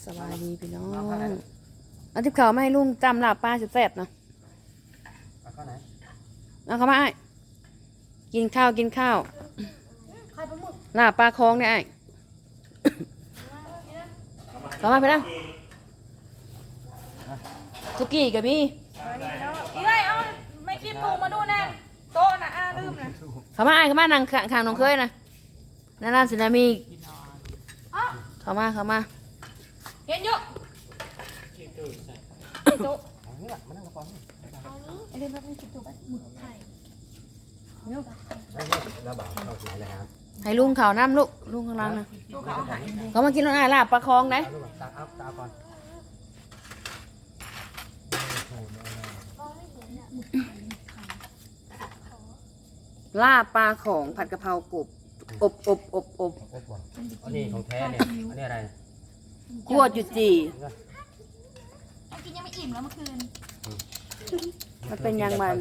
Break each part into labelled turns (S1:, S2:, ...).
S1: สบายดีพี่น้องเอาทิพย์เขาวมาให้ลุงจำลาบปลาแซ่บๆเนาะ
S2: เอาเข้าไหน
S1: เอาเข้ามาไอ้กินข้าวลาบปลาคลองเนี่ยไอ้ เข้ามาไปแล้วสุกี้กับพี่
S3: อีไรเอาไม่คิดถูกมาดูแน่โต๊ะนะลืมนะ
S1: เข้ามาไอ้เข้ามานั่งข้างน้องเคยนะนั่นสินะมีเข้ามา
S3: เห็นเยอะโต๊ะ
S2: เอางี้ล่ะมานั่งกับก่อนนี่
S3: ไอ้เรื่องนั้นคิดถูกไหมหมึกไข่
S2: แล้วบ่าวเข้าถึงแล้วครับ
S1: ให้ลุงเขาน้ำลุงข้างล่างนะเขามากินรถไอ้ลาบปลาคลองไหน
S2: เอาลูกตาเอาตาก่อน
S1: ลาบปลาของผัดกะเพรากบอบ
S2: โอ้โหอันนี้ของแท้เนี่ยอันนี้อะไร
S1: คั่วจุจี
S3: กินยังไม่อิ่มแล้วเมื่อคืน
S1: มันเป็นยังมัน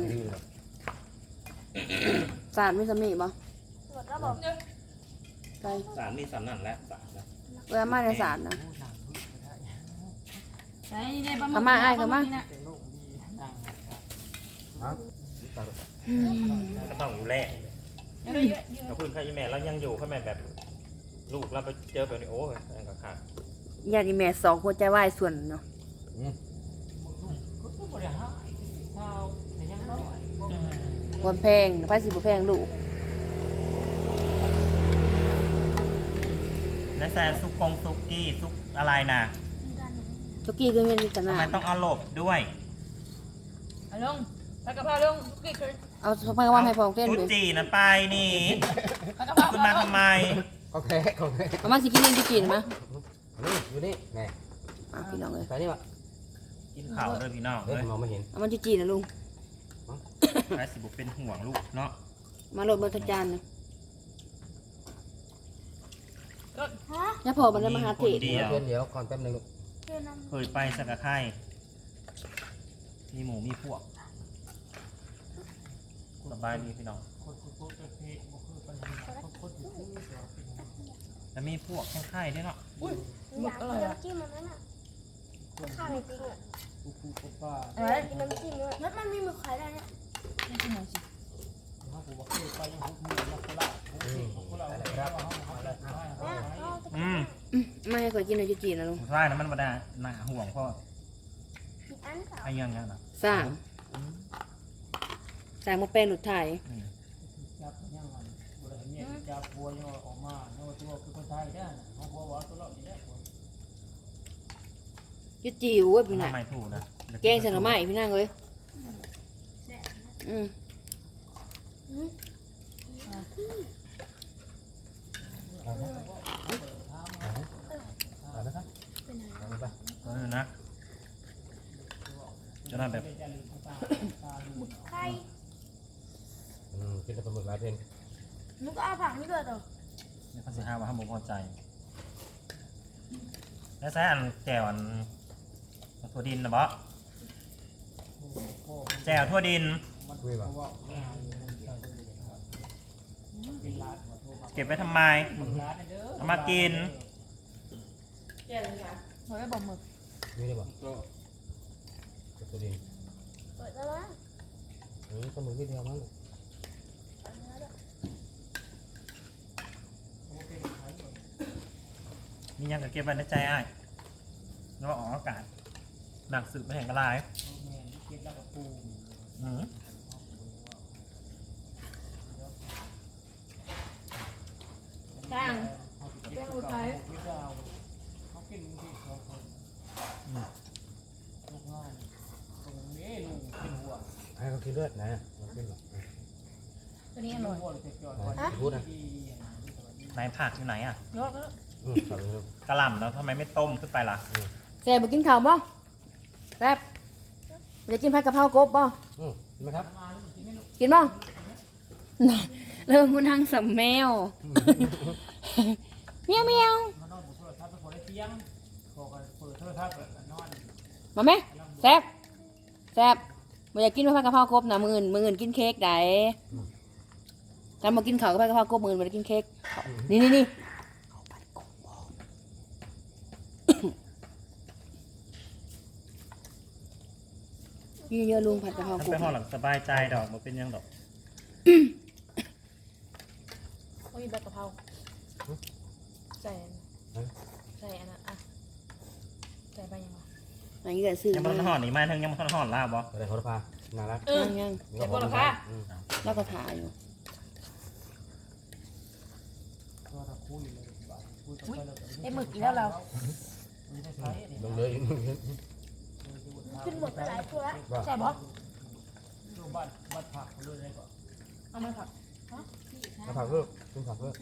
S1: สารไม่สมีบ่
S3: ตรวจแล้วบอก
S1: ใช่
S4: สารมีสารนั่นแหละสารนะ
S1: เวลามาในสารนะ
S3: ใช่ได้ปลาหมึ
S1: เข้ามาไอ้เข้ามา
S2: ฮะ
S4: ก็ต้องดูแลถ้าคุณใครแม่เรายังอยู่ข้าแม่แบบลูกเราไปเจอแบบนี้โอ้ยนั่นก็ขาด
S1: ญาติแม่สองหัวใจวายส่วนเนาะวันแพงไฟสิบแพงลูก
S4: และแซนซุกซุกี้ซุกอะไรนะ
S1: ทุกี้ก็ไม่มีกัน
S4: ทำ
S1: นะ
S4: ไมต้องเอาหลบด้วย
S3: เอาลงผัดกะเพราลงกิ๊กเลย
S1: เอาสปาเกตตี้ให้พองเต้น
S4: ซุ
S1: เลย
S4: จีนะไปนี่
S3: ผัดกะเพรา
S4: คุณมาทำไม
S2: โอเคโอเค
S1: เอามาสิกินนี่กินมา
S2: นี่อยู่นี่แม่
S1: พี่น้องเลย
S2: ใส่นี่วะ
S4: กินข่าวเลยพี่น้อง
S2: เฮ้
S4: เลย ย
S2: มองไม่เห็น
S1: เอามาจีนะลุง
S4: ไอ้สิบุเป็นห่วงลูกเนาะ
S1: มาโหลดบนทจานนะย่าพอมันได้มาหาเทศ
S4: เดียว
S2: เดี๋ยวก่อนแป๊บนึงลูก
S4: เคยไปสักกะไข่มีหมูมีพวกสบายดีพี่น้องจะมีพวกแค่ไข่ด้วยเนาะ
S3: หมึกอร่อยอ่ะ
S5: จิ้มมันนั่นอ่ะข้าวจริงอ่ะ
S3: อะไร
S5: กินน้ำจิ้มด้วยแล้วมันมีหมึกขายได้เนี่ย
S3: ไม่กินหน่อยสิ
S2: อะไรครับ
S4: อืม
S1: ไม่ให้ก่อยกินเลยจีนะลุง
S4: ใช่นะมันมาได้หนาห่วงพ่อ
S5: อีกอันเปล่า
S4: ไอ้ยังยังนะ
S1: สร้างมาเป็นหลุดไทยยุจิวเว้ยพี่น่ะ
S4: ทำไมถูกนะ
S1: แกงใส่หน่อไม้พี่นั่งเลยอืม
S2: เอานะครับเอาไป
S4: นะจะได้แบบ
S5: ไข่
S2: กินแต่ปลาหมึกหลายเพน
S5: หนูก็เอาผักนี่ด้วยต่อ
S4: นี่เขาจะห้าว่าห้ามบุพอใจ แล้วแซ่อันแจวอันทั่วดินนะบ๊แจวทั่วดิน
S2: คุยป่ะ
S4: เก็บไว้ทำไมเอามากิน
S3: เฮ้ยบอกหมึก
S2: นี่ได้ป่ะตัวดิน
S5: เปิดแล้วนะ
S2: ปลาหมึกนิดเดียวมั้ง
S4: มียังกับเก็บไว้ในใจอ้ายแล้วออกอากาศหนักสืบไม่แห่งกระไรอืม
S3: จ้างแกงอุทัย
S2: ให้เขากินเลือดนะมันกินหรอ
S3: ตัวนี้อร่อย
S2: พูดนะ
S4: ไหนผักอยู่ไหนอ่ะ
S3: ยกแล้ว
S2: สั่งเลย
S4: กระหล่ำแล้วทำไมไม่ต้มขึ้นไปล่ะ
S1: แซ่บกินข้าวบ่แซ่บจะกินผัดกะเพรากบบ่
S2: เห็นไหมครับ
S1: กินบ่เริ่มคุณทางสำแมวเมียวเมียวมาไหมแซ่บแซ่บบ่อยากกินผัดกะเพรากบนะมื้ออื่นกินเค้กได้ถ้ามากินข้าวกับผัดกะเพรากบมื้ออื่นบ่ได้กินเค้กนี่นี่เยอะลุงผัดกะเพรา
S4: มัน
S1: กุ้
S4: ไป
S1: ง
S4: ห้องหลังสบายใจดอกมันเป็นยังดอก
S3: โอ้ยใบกะเพราใส่อันนั้นอ่ะใส่ใบยังไง
S1: อันนี้ก็ซื้อ
S4: ยังมัน
S1: มา
S4: ห่อนอีกไหมทั้งยังมันห่อนลาบบ่
S2: อะไรเขาจะพาน่ารัก
S1: ยัง
S3: เดี๋ยวก่อนนะคะ
S1: แล้วก็ถ่ายอยู่
S3: ไอ้หมึกอีกแล้วเรา
S2: ลงเลย
S5: ขึ้นหมดไปหลายตัวแล้ว
S3: ใส่บอเอามาผัก
S2: มาผักเพิ่มขึ้นผักเพิ่ม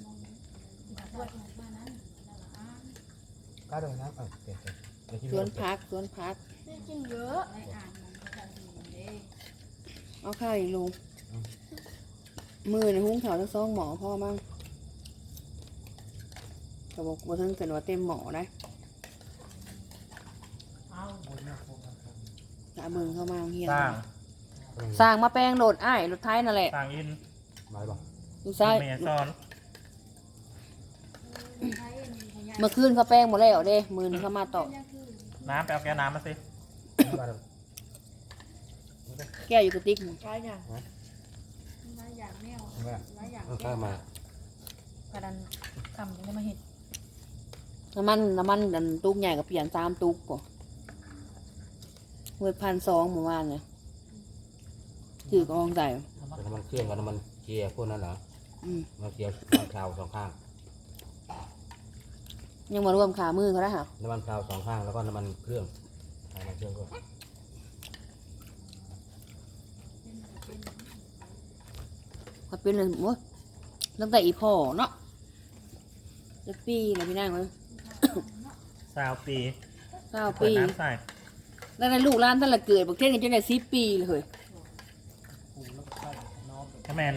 S2: กล้าเดินน้ำเก่ง
S1: สวนพัก
S5: นี่กินเยอะ
S1: เอาข้าวอีกลุงมือในหุ้งเขาทั้งสองหมอพ่อมั่งเขาบอกว่าทั้งเกินว่าเต็มหมอนะกะเบิ่งเข้ามาเฮีย
S4: สร้าง
S1: สร้างมาแปลงโหลดอ้ายรถไทยนั่นแหละ
S4: สร้างอิน
S2: มาบอก
S1: ลูกชาย
S4: เมซอน
S1: เมื่อคืนเขาแป้งหมดแล้วเด้มือนึงเขามาต่อ
S4: น้ำไปเอาแก้วน้ำมาสิ
S2: มาเดิน
S1: แก้วอยู่กระติกนี่
S3: ใช่ยัง
S5: หลายอย่างแมว
S2: มา
S5: หลายอย่าง
S2: ข้ามา
S3: กระดันคำยังได้มาเห็ด
S1: น้ำมันดันตุกใหญ่กับเปลี่ยน3ตุกก่อนเวท1,200หมู่บ้านเนี่ยถือกองใส่
S2: เป็นน้ำมันเครื่องกับน้ำมันเกียร์พวกนั้นเหรอ
S1: อืม
S2: น้ำเกียร์น้ำพราวสองข้าง
S1: ยังมารวมขามือเขาได้ค่ะ
S2: น้ำมันพราวสองข้างแล้วก็น้ำมันเครื่องน้ำมันเครื่องก็
S1: เขาเป็นเลยโอ้ยตั้งแต่อีพ่อเนาะจะปีเลยพี่นางเลย
S4: 20 ปี
S1: 9
S4: เปิด
S1: ปี
S4: น้ำใส่
S1: แล้วในลูกร้านท่านละเกิดบอกเท่นกันจนได้10 ปีเลยเฮ้ย
S4: ถ้าแมน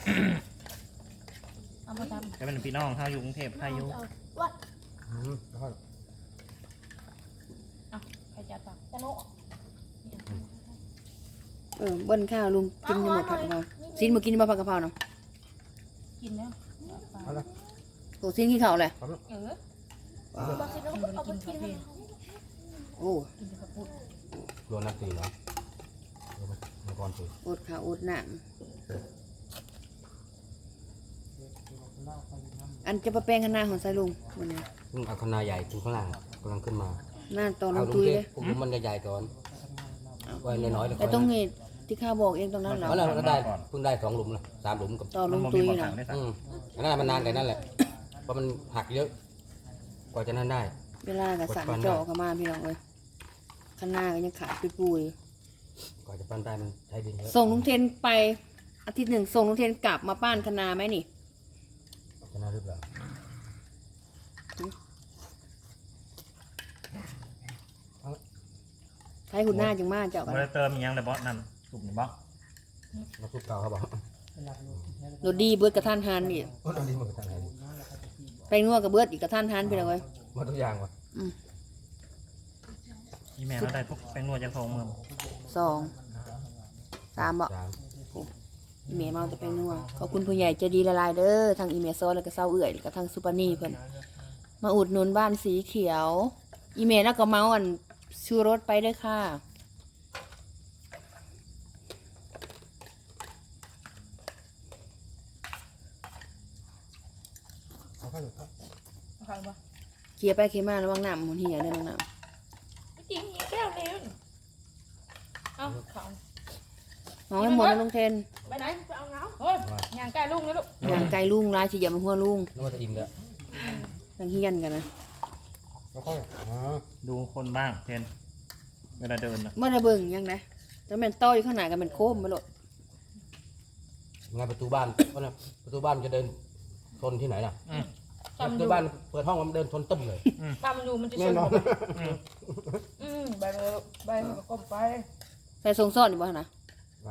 S3: เอามาท
S4: ถ้าเป็นพี่น้องเขาอยู่กรุงเทพเขาอยู่
S2: แล้วก็
S3: ำเอาใครจะตักจะโนะ
S1: เบิ้ลข้าวลุงกินจะหมดผัดกะเพราซินมากินมาผัดกะเพราเนาะ
S3: กินแล้ว
S2: เอาละ
S1: โตซินกินข้าวเลย
S3: เออ
S5: บางทีเราก็เอาไปกินให้
S1: โอ้
S3: กินแต่ข้าวปุ้น
S2: โดนนักตีเหรอมังกรตี
S1: อดข้าวอดน้ำอันจะมาแปลงข้างหน้าของไซลุงวันนี้
S2: ซึ่งเอาคณะใหญ่ขึ้นข้างล่างกำลังขึ้นมา
S1: หน้าตอนล
S2: เอา
S1: ง
S2: ลุ
S1: ตุ
S2: ง
S1: ย
S2: เจ๊
S1: เลย
S2: ผมมันใหญ่ๆก่อนไว้น้อยๆเลย
S1: แต่ตรงนี้ที่ข้าบอกเองตรงนั้นเหรอ
S2: เพราะเราได้เพิ่งได้2 หลุมนะ3 หลุมกับ
S1: ต่อลงตุย
S4: มัน
S1: นะ
S4: ได้สั่ง
S2: อันนั้นมันนานกันนั่นแหละเพราะมันหักเยอะ กว่าจะนั่นได้
S1: เวลากับสั่งเจาะเข้ามาพี่น้องเลยข้างหน้าก็ยังขาดปุย
S2: กว่าจะปั้นได้มันใช้ดินเยอะ
S1: ๆส่งลุงเทนไปอาทิตย์หนึ่งส่งลุงเทนกลับมาป้านคณาไหมนี่
S2: ชนะหรือเปล่า
S1: ใช้หุ่นหน้าจังมากเจ้ากัน
S4: มันเติมอีกอยังเลยบอสนั่นถูกหรือเปล่า
S2: น้ำซุปเก่าเขาบอก
S1: รถดีเบิดกระทันหันนี่
S2: โอ้ตอนนี้มันก็ทำไงดี
S1: ไปนัวกับเบิดอีกกระทันหันไปเลย
S2: มาทุกอย่างวะ
S4: อีแม่เราได้พวกแป้งนวดจากทองเมือง
S1: 2 3บ่
S2: จาง
S1: อีเมลมาจะไปนัวขอบคุณผู้ใหญ่ใจดีละลายเด้อทางอีเมลซอนแล้วก็เศร้าเอื่อยแล้วก็ทางซูปานี่เพิ่นมาอุดหนุนบ้านสีเขียว อีเมลแล้วก็เมาอันชูรสไปเด้อค่ะ
S2: เอาข้าวหลุดครับ
S3: เอาใครบ้าง
S1: เคลียร์ไปเคลียร์มาระวังน้ำมันเหี่ยเด้อน้องน้
S3: จริงอีกแก้วนึงเอาเขา
S1: ำน้องให้หมดนะลุงเทน
S3: ไปไหนไปเอาเงาเฮ้ยย่างไก่ลูกนะลูก
S1: อย่างไกลลุงร้ายสิอย่ามาหัวลุง
S2: นึกว่าจะอิ่มแล้ว
S1: ทางเฮียนกันนะ
S2: แล้วก็อ๋อ
S4: ดูคนบ้างเทนเวลาเดินนะ
S1: เมื่อได้เบิ่งยังไงแต่แม่นต้ออยู่ข้างหน้ากันเป็นโค้มมาโลด
S2: งานประตูบ้านเพราะนะประตูบ้านจะเดินชนที่ไหนล่ะ
S3: ตำ
S2: ประ
S3: อ
S2: ตู
S3: ยู่
S2: บ้านเปิดห้องมันเดินชนตึ้มเลย
S3: ตำอยู่มันจะช
S2: แน่
S3: น
S2: นอน
S3: ใบเลยใบมันก็ก้มไป
S1: ใส่ทรงซ้อนอยู่บ่หั่นนะ
S2: ว่า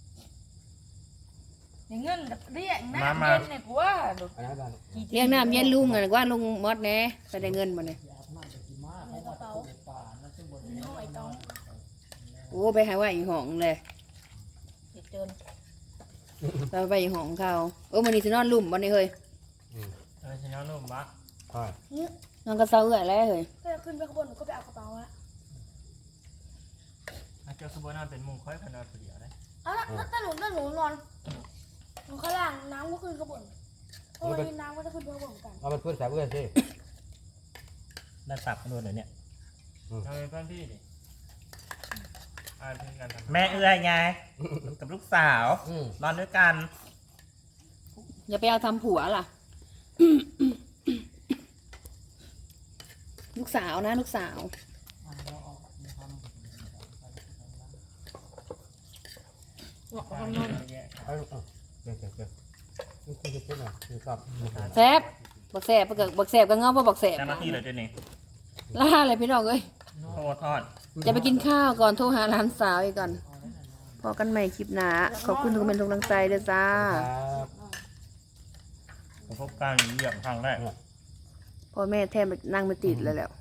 S3: อย่างเงินเรียกน้ำเย็นเนี่ยกูว่า
S2: อันนั้นบ้าน
S1: เรียกน้ำเย็นลุงอ่ะว่าลุงมอดแหน่ใส่ได้เงินมาเนี่ย
S5: ในกระเป๋าในห้องไอ้ตอง
S1: โอ้ไปหาว่าอีห้องเลย
S3: เดี๋ยวเจิน
S1: เราไปอีห้องเขามันนี่สินอนลุ่มบ่นี่เฮ้ย
S4: ฉันย้อนนุ่มปะ
S2: ใช่
S1: นอนก็เศร้าเอื่อยแล้วเฮ้ย
S5: ก็จะขึ้นไปข้างบนหนูก็ไปเอากระเป๋าละ
S4: กเจ้าสมบูรณ์นอนเป็นมุงค่อยพนอนเปลี่ยวได้
S6: เอาละถ้าหนูนอนหนูข้างล่างน้ำก็ขึ้นข้างบนเพราะวันนี้น้ำก็จะขึ้นข้างบนเหมือนกัน
S2: เอาเป็นเพื่อนสาวเอื้อนสิ
S4: ด้านตับกันด้วยเนี่ย
S5: เอาไปบ้านพี่ดิอ่านเพลงกันทำ
S4: แม่เอื้อยไงกับลูกสาว
S2: อืม
S4: นอนด้วยกัน
S1: อย่าไปเอาทำผัวล่ะ ลูกสาวนะลูกสาว
S3: บอกว่าคนนอน
S2: เอาลูกเอาเก่งนี่คือจะเป็นอะไรคือชอบ
S1: แซบบักแซบบักแซบก็เงาเพราะบักแซบ
S4: เจ้าหน้าที่เลยเดี๋ยวนี้
S1: ล่าเลยพี่น้องเอ้ย
S4: โทษทอด
S1: จะไปกินข้าวก่อนโทรหาหลานสาวอีกก่อนพอกันใหม่คลิปหน้าขอบคุณทุกคนทุกกำลังใจเด้อจ้า
S2: ครับ
S4: ประสบการณ์เหยียบครั้งแรก
S1: พ่อแม่แทบนั่งไม่ติดเลยแหล้ว